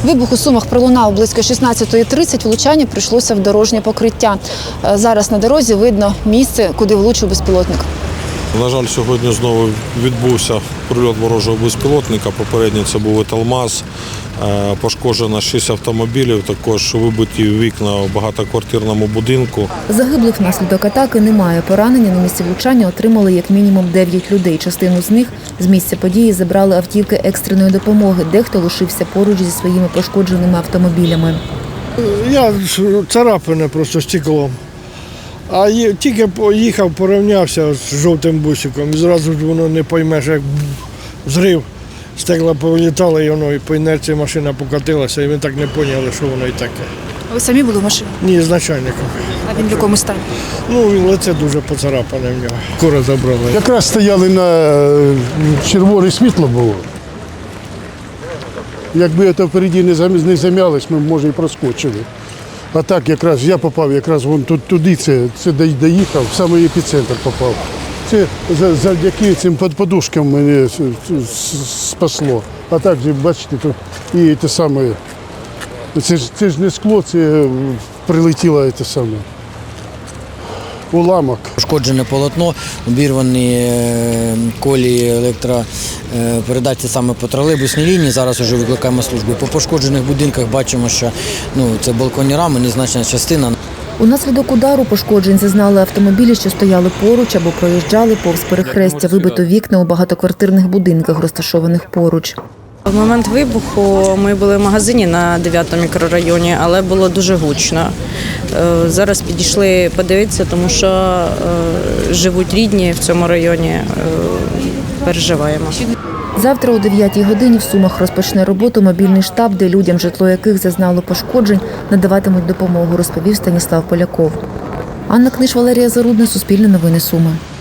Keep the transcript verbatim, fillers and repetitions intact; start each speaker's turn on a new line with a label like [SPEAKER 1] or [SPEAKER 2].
[SPEAKER 1] Вибух у Сумах пролунав близько шістнадцятої тридцять, влучання прийшлося в дорожнє покриття. Зараз на дорозі видно місце, куди влучив безпілотник.
[SPEAKER 2] На жаль, сьогодні знову відбувся прильот ворожого безпілотника. Попередньо це був «Еталмаз». Пошкоджено шість автомобілів, також вибиті вікна в багатоквартирному будинку.
[SPEAKER 1] Загиблих внаслідок атаки немає. Поранення на місці влучання отримали як мінімум дев'ять людей. Частину з них з місця події забрали автівки екстреної допомоги. Дехто лишився поруч зі своїми пошкодженими автомобілями.
[SPEAKER 3] Я царапане просто стеклом. А тільки поїхав, порівнявся з жовтим бусиком, і зразу ж воно не поймеш, як зрив. Стекла повилітали, і воно і по інерції машина покатилася, і ми так не поняли, що воно і таке.
[SPEAKER 1] Ви самі були в машині?
[SPEAKER 3] Ні, з начальником.
[SPEAKER 1] А він в якому стані?
[SPEAKER 3] Ну, він лице дуже поцарапане в нього. Скоро забрали.
[SPEAKER 4] Якраз стояли на червоне світло було. Якби це впереді не зам'ялось, ми, може, і проскочили. А так якраз я попав, якраз вон туди, це, це доїхав, в самий епіцентр попав. Це завдяки цим подушкам мене спасло. А так, бачите, тут і те саме, це ж, це ж не скло, це прилетіло те саме. Уламок.
[SPEAKER 5] Пошкоджене полотно, обірвані колії електропередачі саме по тролейбусній лінії. Зараз вже викликаємо службу. По пошкоджених будинках бачимо, що ну, це балконні рами, незначна частина.
[SPEAKER 1] Унаслідок удару пошкоджень зазнали автомобілі, що стояли поруч або проїжджали повз перехрестя. Вибито вікна у багатоквартирних будинках, розташованих поруч.
[SPEAKER 6] В момент вибуху ми були в магазині на дев'ятому мікрорайоні, але було дуже гучно. Зараз підійшли подивитися, тому що живуть рідні в цьому районі, переживаємо.
[SPEAKER 1] Завтра о дев'ятій годині в Сумах розпочне роботу мобільний штаб, де людям, житло яких зазнало пошкоджень, надаватимуть допомогу, розповів Станіслав Поляков. Анна Книж, Валерія Зарудна, Суспільне новини Суми.